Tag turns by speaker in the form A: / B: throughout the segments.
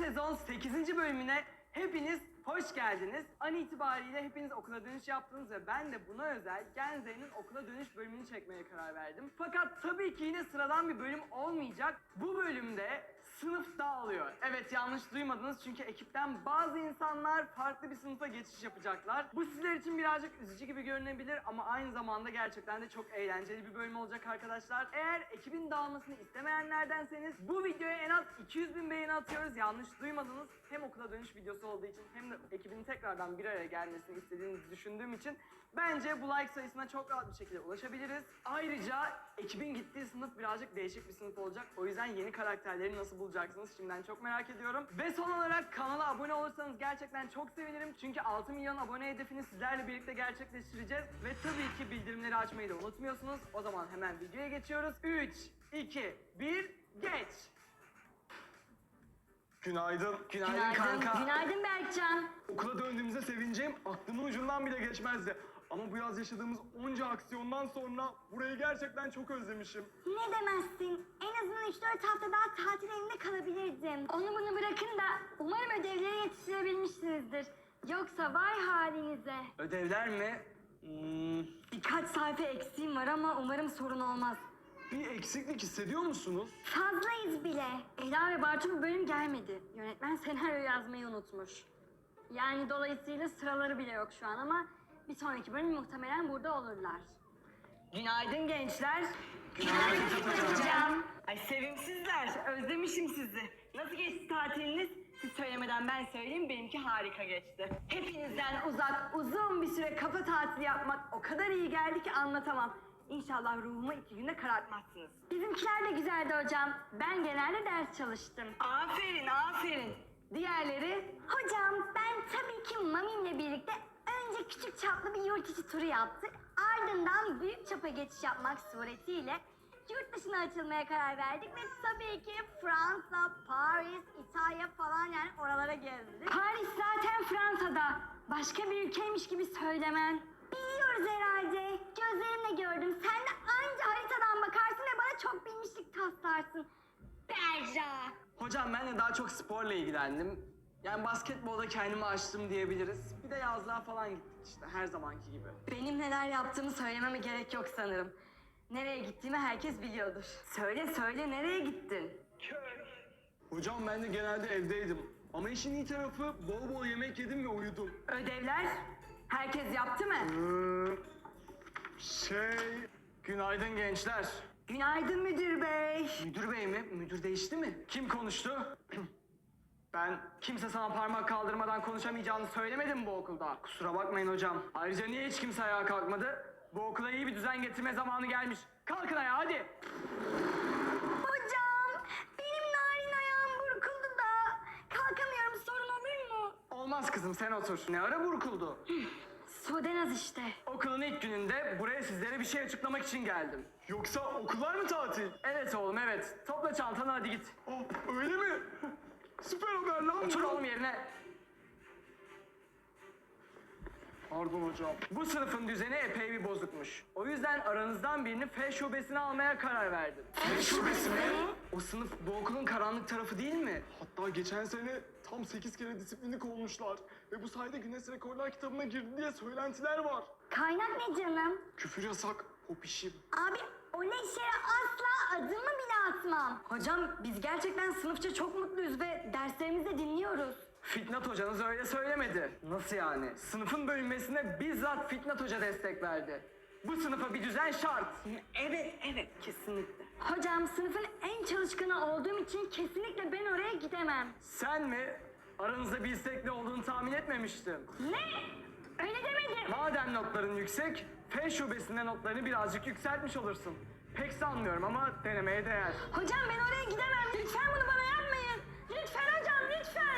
A: sezon 8. bölümüne hepiniz hoş geldiniz. An itibariyle hepiniz okula dönüş yaptınız ve ben de buna özel Genze'nin okula dönüş bölümünü çekmeye karar verdim. Fakat tabii ki yine sıradan bir bölüm olmayacak. Bu bölümde sınıf dağılıyor. Evet, yanlış duymadınız çünkü ekipten bazı insanlar farklı bir sınıfa geçiş yapacaklar. Bu sizler için birazcık üzücü gibi görünebilir ama aynı zamanda gerçekten de çok eğlenceli bir bölüm olacak arkadaşlar. Eğer ekibin dağılmasını istemeyenlerdenseniz bu videoya en az 200.000 beğeni atıyoruz. Yanlış duymadınız. Hem okula dönüş videosu olduğu için hem de ekibin tekrardan bir araya gelmesini istediğinizi düşündüğüm için bence bu like sayısına çok rahat bir şekilde ulaşabiliriz. Ayrıca ekibin gittiği sınıf birazcık değişik bir sınıf olacak. O yüzden yeni karakterleri nasıl bulacaksınız şimdiden çok merak ediyorum. Ve son olarak kanala abone olursanız gerçekten çok sevinirim. Çünkü 6 milyon abone hedefini sizlerle birlikte gerçekleştireceğiz. Ve tabii ki bildirimleri açmayı da unutmuyorsunuz. O zaman hemen videoya geçiyoruz. 3, 2, 1, geç!
B: Günaydın.
A: Günaydın kanka.
C: Günaydın Berkcan.
B: Okula döndüğümüzde sevineceğim aklımın ucundan bile geçmezdi. Ama bu yaz yaşadığımız onca aksiyondan sonra burayı gerçekten çok özlemişim.
C: Ne demezsin? En azından 3-4 hafta daha tatil evinde kalabilirdim. Onu bunu bırakın da umarım ödevleri yetiştirebilmişsinizdir. Yoksa vay halinize.
A: Ödevler mi?
C: Birkaç sayfa eksiğim var ama umarım sorun olmaz.
B: Bir eksiklik hissediyor musunuz?
C: Fazlayız bile. Ela ve Bartu bu bölüm gelmedi. Yönetmen senaryo yazmayı unutmuş. Yani dolayısıyla sıraları bile yok şu an ama bir sonraki bölüm muhtemelen burada olurlar.
A: Günaydın gençler.
C: Günaydın hocam.
A: Ay sevimsizler. Özlemişim sizi. Nasıl geçti tatiliniz? Siz söylemeden ben söyleyeyim, benimki harika geçti. Hepinizden uzak uzun bir süre kafa tatili yapmak o kadar iyi geldi ki anlatamam. İnşallah ruhumu 2 günde karartmazsınız.
C: Bizimkiler de güzeldi hocam. Ben genelde ders çalıştım.
A: Aferin, aferin. Diğerleri?
C: Hocam ben tabii ki Mami'mle birlikte önce küçük çaplı bir yurt içi turu yaptık. Ardından büyük çapa geçiş yapmak suretiyle yurt dışına açılmaya karar verdik ve tabii ki Fransa, Paris, İtalya falan yani oralara gezdik. Paris zaten Fransa'da. Başka bir ülkeymiş gibi söylemen. Biliyoruz herhalde. Gözlerimle gördüm. Sen de anca haritadan bakarsın ve bana çok bilmişlik taslarsın. Berra.
A: Hocam ben de daha çok sporla ilgilendim. Yani basketbolda kendimi açtım diyebiliriz. Bir de yazlığa falan gittik işte her zamanki gibi. Benim neler yaptığımı söylememe gerek yok sanırım. Nereye gittiğimi herkes biliyordur. Söyle nereye gittin?
B: Hocam ben de genelde evdeydim. Ama işin iyi tarafı bol bol yemek yedim ve uyudum.
A: Ödevler? Herkes yaptı mı? Günaydın gençler. Günaydın müdür bey. Müdür bey mi? Müdür değişti mi? Kim konuştu? Ben kimse sana parmak kaldırmadan konuşamayacağını söylemedim bu okulda. Kusura bakmayın hocam. Ayrıca niye hiç kimse ayağa kalkmadı? Bu okula iyi bir düzen getirme zamanı gelmiş. Kalkın ayağa hadi.
C: Hocam benim narin ayağım burkuldu da kalkamıyorum, sorun olur mu?
A: Olmaz kızım, sen otur. Ne ara burkuldu?
C: Sodenaz işte.
A: Okulun ilk gününde buraya sizlere bir şey açıklamak için geldim.
B: Yoksa okullar mı tatil?
A: Evet oğlum evet. Topla çantanı hadi git.
B: Öyle mi? Süper haber lan.
A: Otur oğlum yerine.
B: Pardon hocam.
A: Bu sınıfın düzeni epey bir bozukmuş. O yüzden aranızdan birini F şubesine almaya karar verdim.
B: F şubesi mi?
A: O sınıf bu okulun karanlık tarafı değil mi?
B: Hatta geçen sene tam 8 kere disiplinlik olmuşlar. Ve bu sayede Guinness Rekorlar kitabına girdi diye söylentiler var.
C: Kaynak ne canım?
B: Küfür yasak, hop işim.
C: Abi o leşere asla adımı bile atmam.
D: Hocam biz gerçekten sınıfça çok mutluyuz ve derslerimizi de dinliyoruz.
A: Fitnat hocanız öyle söylemedi. Nasıl yani? Sınıfın bölünmesine bizzat Fitnat hoca destek verdi. Bu sınıfa bir düzen şart.
D: Evet kesinlikle.
C: Hocam sınıfın en çalışkanı olduğum için kesinlikle ben oraya gidemem.
A: Sen mi? Aranızda bir istekli olduğunu tahmin etmemiştim.
C: Ne? Öyle demedim.
A: Madem notların yüksek, F şubesinde notlarını birazcık yükseltmiş olursun. Pek sanmıyorum ama denemeye değer.
C: Hocam ben oraya gidemem. Lütfen bunu bana yapmayın. Lütfen hocam lütfen.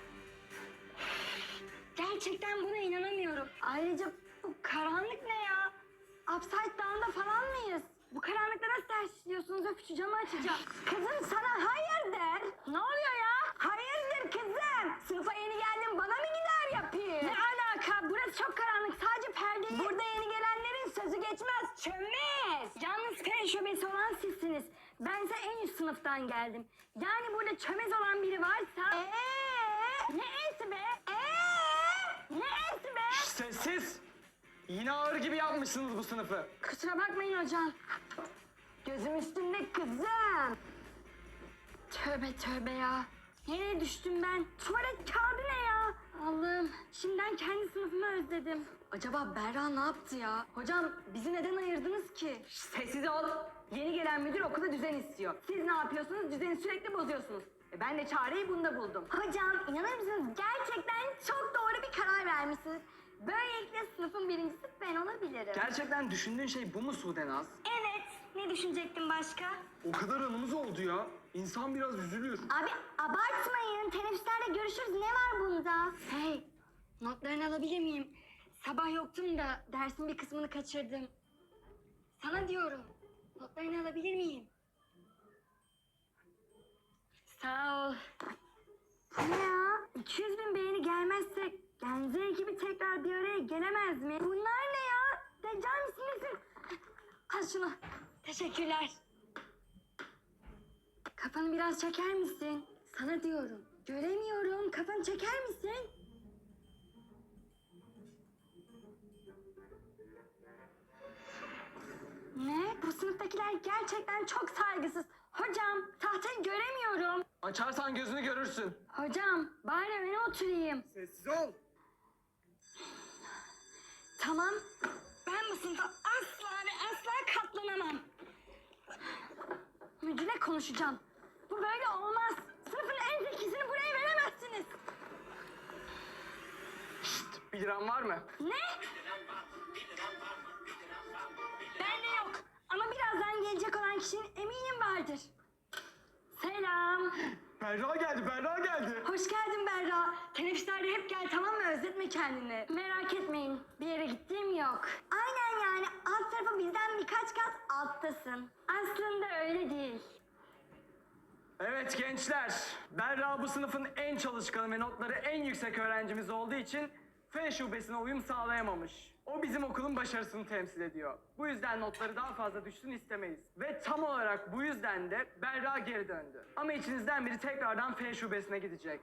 C: Gerçekten buna inanamıyorum. Ayrıca bu karanlık ne ya? Upside down'da falan mıyız? Bu karanlıkta nasıl ders işliyorsunuz? Öf şu camı açacağım. Kızım sana hayırdır? Ne oluyor ya? Hayırdır kızım? Sınıfa yeni geldim bana mı gider yapayım? Ne alaka? Burası çok karanlık. Sadece perdeyi... Burada yeni gelenlerin sözü geçmez. Çömez. Yalnız fen şubesi olan sizsiniz. Bense en üst sınıftan geldim. Yani burada çömez olan biri varsa... Ne esi be? Ne esi be?
B: Sessiz! Yine ağır gibi yapmışsınız bu sınıfı.
C: Kusura bakmayın hocam. Gözüm üstünde kızım. Tövbe tövbe ya. Nereye düştüm ben? Tuvalet kağıdı ne ya? Allah'ım, şimdiden kendi sınıfımı özledim.
D: Acaba Berra ne yaptı ya? Hocam bizi neden ayırdınız ki?
A: Sessiz ol. Yeni gelen müdür okulda düzen istiyor. Siz ne yapıyorsunuz? Düzeni sürekli bozuyorsunuz. Ben de çareyi bunda buldum.
C: Hocam inanır mısınız? Gerçekten çok doğru bir karar vermişsiniz. Böylelikle sınıfın birincisi ben olabilirim.
B: Gerçekten düşündüğün şey bu mu Sudenaz?
C: Evet. Ne düşünecektim başka?
B: O kadar anımız oldu ya. İnsan biraz üzülür.
C: Abi abartmayın. Teneffüslerde görüşürüz. Ne var bunda?
D: Hey, notlarını alabilir miyim? Sabah yoktum da dersin bir kısmını kaçırdım. Sana diyorum, notlarını alabilir miyim?
C: Sağ ol. Ne ya? 200 bin beğeni gelmezse Genze ekibi tekrar bir araya gelemez mi? Bunlar ne ya? Deccal misin nesin?
D: Al şunu. Teşekkürler. Kafanı biraz çeker misin? Sana diyorum. Göremiyorum. Kafanı çeker misin?
C: Ne? Bu sınıftakiler gerçekten çok saygısız. Hocam tahtayı göremiyorum.
B: Açarsan gözünü görürsün.
C: Hocam bari öne oturayım.
B: Sessiz ol.
C: Tamam. Ben bu sınıfa asla ve asla katlanamam. Müdürle konuşacağım. Bu böyle olmaz. Sınıfın en zekisini buraya veremezsiniz.
B: 1 liram var mı?
C: Ne? Bende yok. Ama birazdan gelecek olan kişinin eminim vardır. Selam.
B: Berra geldi, Berra geldi.
C: Hoş geldin Berra. Teneffüslerde hep gel tamam mı? Özletme kendini. Merak etmeyin. Bir yere gittiğim yok. Aynen yani. Alt tarafı bizden birkaç kat alttasın. Aslında öyle değil.
B: Evet gençler, Berra bu sınıfın en çalışkanı ve notları en yüksek öğrencimiz olduğu için F şubesine uyum sağlayamamış. O bizim okulun başarısını temsil ediyor. Bu yüzden notları daha fazla düşsün istemeyiz. Ve tam olarak bu yüzden de Berra geri döndü. Ama içinizden biri tekrardan F şubesine gidecek.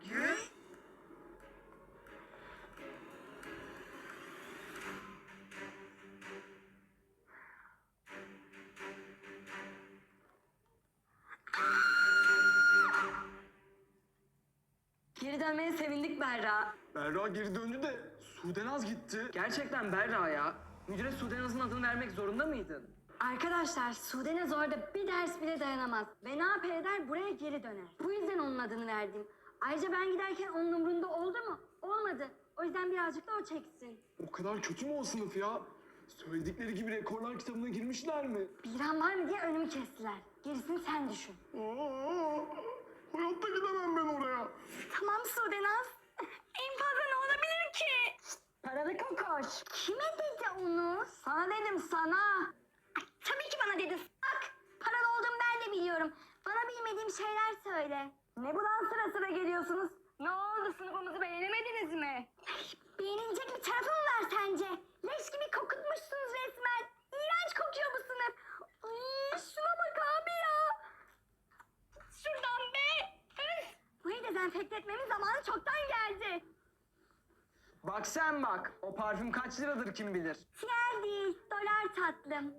D: Geri dönmeye sevindik Berra.
B: Berra geri döndü de Sudenaz gitti.
A: Gerçekten Berra ya. Müdüre Sudenaz'ın adını vermek zorunda mıydın?
D: Arkadaşlar Sudenaz orada bir ders bile dayanamaz. Ve ne yapar eder buraya geri döner. Bu yüzden onun adını verdim. Ayrıca ben giderken onun umrunda oldu mu? Olmadı. O yüzden birazcık da o çeksin.
B: O kadar kötü mü o sınıf ya? Söyledikleri gibi rekorlar kitabına girmişler mi?
D: Biran var mı diye önümü kestiler. Gerisini sen düşün.
B: Hayatta gidemem ben oraya.
C: Tamam Sudenaz. En fazla ne olabilir ki?
D: Paralı kokoş.
C: Kime dedi onu?
D: Sana dedim sana.
C: Tabii ki bana dedin. Bak paralı olduğumu ben de biliyorum. Bana bilmediğim şeyler söyle.
D: Ne bu lan sıra sıra geliyorsunuz? Ne oldu sınıfımızı beğenemediniz mi?
C: Beğenilecek bir tarafı mı var sence? Leş gibi kokutmuşsunuz resmen. İğrenç kokuyor bu sınıf. Ay, şuna bak abi ya. Şuradan be. Üf. Burayı dezenfekte etmemin zamanı çoktan geldi.
A: Bak sen bak. O parfüm kaç liradır kim bilir.
C: TL değil, dolar tatlım.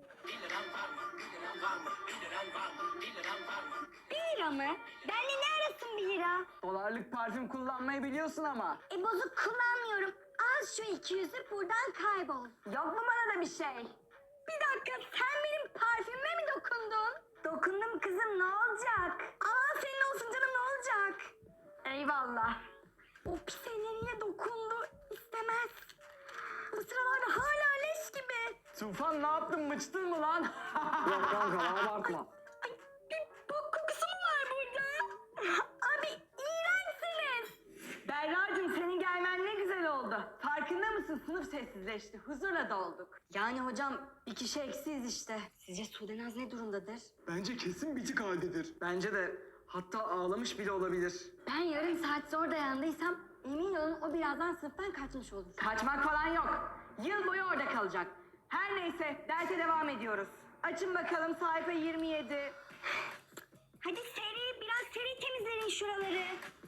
C: 1 lira mı? Benle ne arasın 1 lira?
A: Dolarlık parfüm kullanmayı biliyorsun ama.
C: Bozuk kullanmıyorum. Al şu 200'ü buradan kaybol.
D: Yok mu bana da bir şey?
C: Bir dakika sen benim parfümüme mi dokundun?
D: Dokundum kızım ne olacak?
C: Aman senin olsun canım ne olacak?
D: Eyvallah.
C: O pis elleriyle dokundu. İstemez. Bu sıralarda hala leş gibi.
A: Tufan ne yaptın mıçtın mı lan?
B: Yok kanka abartma.
C: Ay, bir bok kokusu mu var burada? Abi iğrençsiniz.
A: Berra'cığım senin gelmen ne güzel oldu. Farkında mısın? Sınıf sessizleşti. Huzurla dolduk.
D: Yani hocam bir kişi eksiyiz işte. Sizce Sudenaz ne durumdadır?
B: Bence kesin bitik haldedir.
A: Bence de hatta ağlamış bile olabilir.
D: Ben yarım saat zor dayandıysam emin olun o birazdan sınıftan kaçmış olur.
A: Kaçmak falan yok. Yıl boyu orada kalacak. Her neyse derse devam ediyoruz. Açın bakalım sayfa 27.
C: Hadi seri, biraz seri temizleyin şuraları.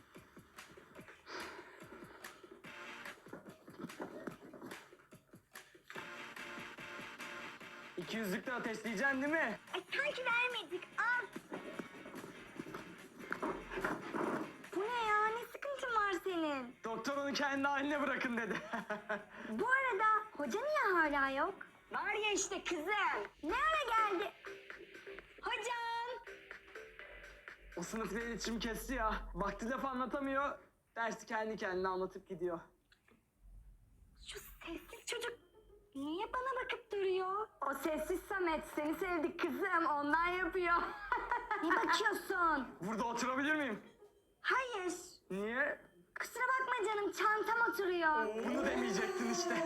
B: İki yüzlükle ateşleyeceksin değil mi?
C: Ay sanki vermedik, al. Bu ne ya, ne sıkıntın var senin?
B: Doktor onu kendi haline bırakın dedi.
C: Bu arada hoca niye hala yok? Var ya işte kızım. Ne ara geldi? Hocam.
B: O sınıfla iletişim kesti ya. Vakti laf anlatamıyor. Dersi kendi kendine anlatıp gidiyor.
C: Şu sessiz çocuk niye bana bakıp duruyor?
D: O sessiz Samet, seni sevdik kızım, ondan yapıyor.
C: Ne bakıyorsun?
B: Burada oturabilir miyim?
C: Hayır.
B: Niye?
C: Kusura bakma canım, çantam oturuyor.
B: Bunu demeyecektin işte.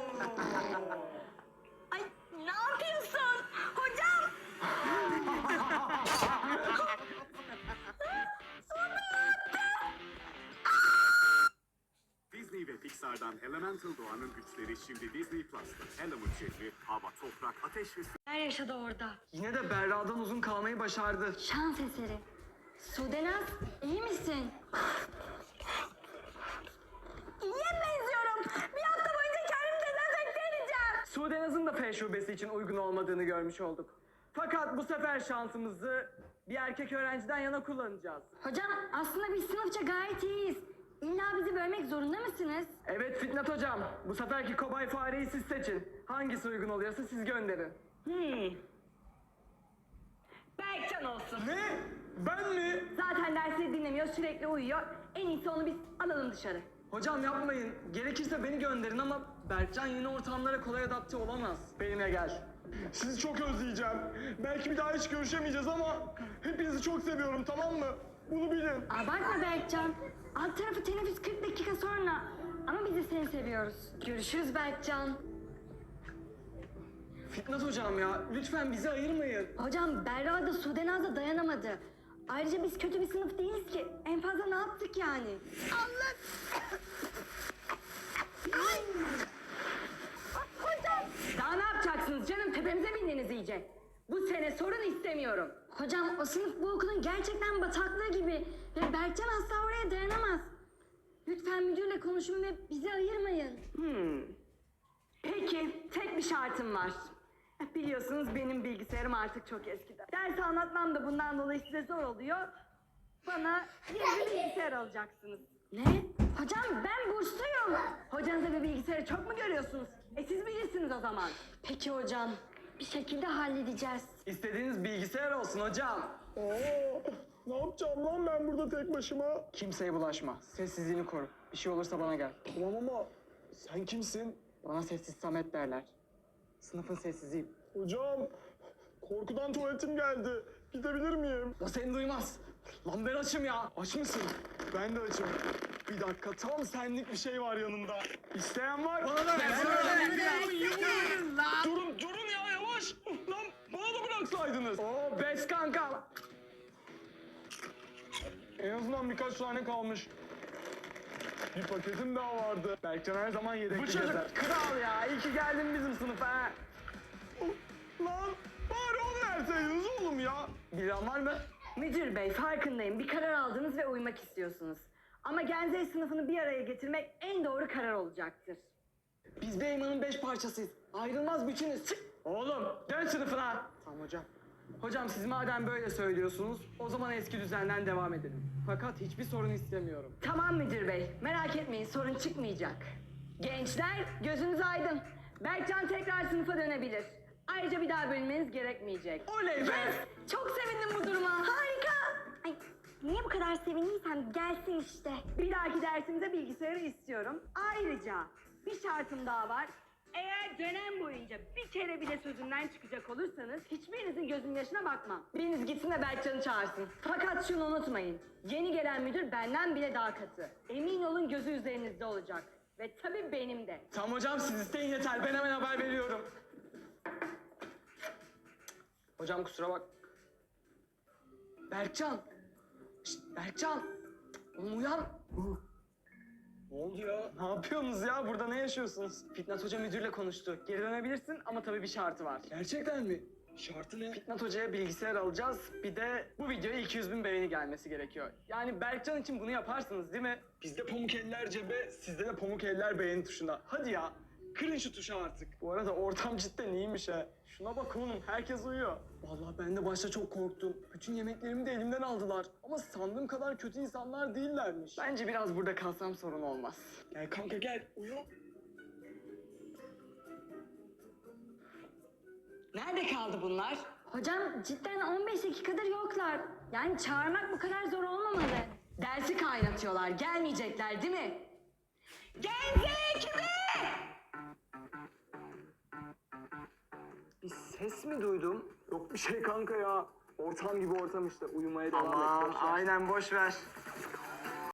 C: Ay ne yapıyorsun? Hocam.
E: Disney ve Pixar'dan Elemental Doğanın güçleri şimdi Disney Plus'ta. Element şehri, hava, toprak, ateş ve su
D: Neler yaşadı orada?
B: Yine de Berra'dan uzun kalmayı başardı.
D: Şans eseri. Sudenaz, iyi misin?
C: İyiye benziyorum. Bir hafta boyunca kendimi dezenfekte edeceğim.
B: Sudenaz'ın da F şubesi için uygun olmadığını görmüş olduk. Fakat bu sefer şansımızı bir erkek öğrenciden yana kullanacağız.
D: Hocam, aslında biz sınıfça gayet iyiyiz. İlla bizi bölmek zorunda mısınız?
B: Evet Fitnat hocam, bu seferki kobay fareyi siz seçin. Hangisi uygun oluyorsa siz gönderin.
A: Berkcan olsun.
B: Ne? Ben mi?
A: Zaten dersleri dinlemiyor, sürekli uyuyor. En iyisi onu biz alalım dışarı.
B: Hocam yapmayın. Gerekirse beni gönderin ama Berkcan yeni ortamlara kolay adapte olamaz. Benimle gel.
F: Sizi çok özleyeceğim. Belki bir daha hiç görüşemeyeceğiz ama hepinizi çok seviyorum, tamam mı? Bunu bilin.
D: Abartma Berkcan. Alt tarafı teneffüs 40 dakika sonra. Ama biz de seni seviyoruz. Görüşürüz Berkcan.
B: Fitnat hocam ya, lütfen bizi ayırmayın.
D: Hocam Berra da Sudenaz da dayanamadı. Ayrıca biz kötü bir sınıf değiliz ki. En fazla ne yaptık yani?
A: Daha ne yapacaksınız canım? Tepemize bindiniz iyice. Bu sene sorun istemiyorum.
D: Hocam o sınıf bu okulun gerçekten bataklığı gibi. Ve Berkcan asla oraya dayanamaz. Lütfen müdürle konuşun ve bizi ayırmayın.
A: Peki, tek bir şartım var. Biliyorsunuz benim bilgisayarım artık çok eskidi. Ders anlatmam da bundan dolayı size zor oluyor. Bana yeni bir bilgisayar alacaksınız.
D: Ne? Hocam ben bursluyum.
A: Hocanıza bir bilgisayarı çok mu görüyorsunuz? Siz bilirsiniz o zaman.
D: Peki hocam. Bir şekilde halledeceğiz.
B: İstediğiniz bilgisayar olsun hocam.
F: Ne yapacağım lan ben burada tek başıma?
B: Kimseye bulaşma. Sessizliğini koru. Bir şey olursa bana gel.
F: Tamam ama sen kimsin?
B: Bana sessiz Samet derler. Sınıfın sessiziyim.
F: Hocam, korkudan tuvaletim geldi. Gidebilir miyim?
B: O seni duymaz. Lan ben açım ya. Aç mısın?
F: Ben de açım. Bir dakika, tam senlik bir şey var yanımda. İsteyen var.
B: Bana da ver.
F: Durun ya, yavaş. Lan bana da bıraksaydınız.
B: Oo bes kanka.
F: En azından birkaç tane kalmış. Bir paketim daha vardı. Berkcan her zaman yedekli
B: Bu çocuk
F: gezer.
B: kral ya. İyi ki geldin bizim sınıfa ha.
F: Lan bari onu verseydiniz oğlum ya.
B: Bilen var mı?
A: Müdür bey, farkındayım. Bir karar aldınız ve uymak istiyorsunuz. Ama Genze sınıfını bir araya getirmek en doğru karar olacaktır.
B: Biz Beyman'ın 5 parçasıyız. Ayrılmaz bütünüz. Çık. Oğlum dön sınıfına. Tamam hocam. Hocam siz madem böyle söylüyorsunuz o zaman eski düzenden devam edelim. Fakat hiçbir sorun istemiyorum.
A: Tamam müdür bey, merak etmeyin sorun çıkmayacak. Gençler gözünüz aydın. Berkcan tekrar sınıfa dönebilir. Ayrıca bir daha bölünmeniz gerekmeyecek.
B: Oley be.
A: Çok sevindim bu duruma.
C: Harika. Ay niye bu kadar sevindiysem gelsin işte.
A: Bir dahaki dersimize bilgisayarı istiyorum. Ayrıca bir şartım daha var. Eğer dönem boyunca bir kere bile sözümden çıkacak olursanız hiçbirinizin gözünün yaşına bakmam. Biriniz gitsin de Berkcan'ı çağırsın. Fakat şunu unutmayın. Yeni gelen müdür benden bile daha katı. Emin olun gözü üzerinizde olacak. Ve tabii benim de.
B: Tamam hocam siz isteyin yeter. Ben hemen haber veriyorum. Hocam kusura bak. Berkcan. Şşt, Berkcan. Oğlum uyan.
F: Ne oldu ya?
B: Ne yapıyorsunuz ya? Burada ne yaşıyorsunuz? Fitnat Hoca müdürle konuştu. Geri dönebilirsin ama tabii bir şartı var.
F: Gerçekten mi? Şartı ne?
B: Fitnat Hoca'ya bilgisayar alacağız. Bir de bu videoya 200.000 beğeni gelmesi gerekiyor. Yani Berkcan için bunu yaparsınız değil mi?
F: Bizde pamuk eller cebe, sizde de pamuk eller beğeni tuşuna. Hadi ya, kırın şu tuşu artık.
B: Bu arada ortam cidden iyiymiş ha. Şuna bak oğlum, herkes uyuyor.
F: Vallahi ben de başta çok korktum. Bütün yemeklerimi de elimden aldılar. Ama sandığım kadar kötü insanlar değillermiş.
B: Bence biraz burada kalsam sorun olmaz.
F: Gel kanka gel, uyu.
A: Nerede kaldı bunlar?
D: Hocam cidden 15 dakikadır yoklar. Yani çağırmak bu kadar zor olmamalı.
A: Dersi kaynatıyorlar. Gelmeyecekler değil mi? Genze ekibi!
B: Bir ses mi duydum?
F: Yok bir şey kanka ya. Ortam gibi ortam işte, uyumaya devam et.
B: Aman
F: boş ver.
B: aynen boş ver.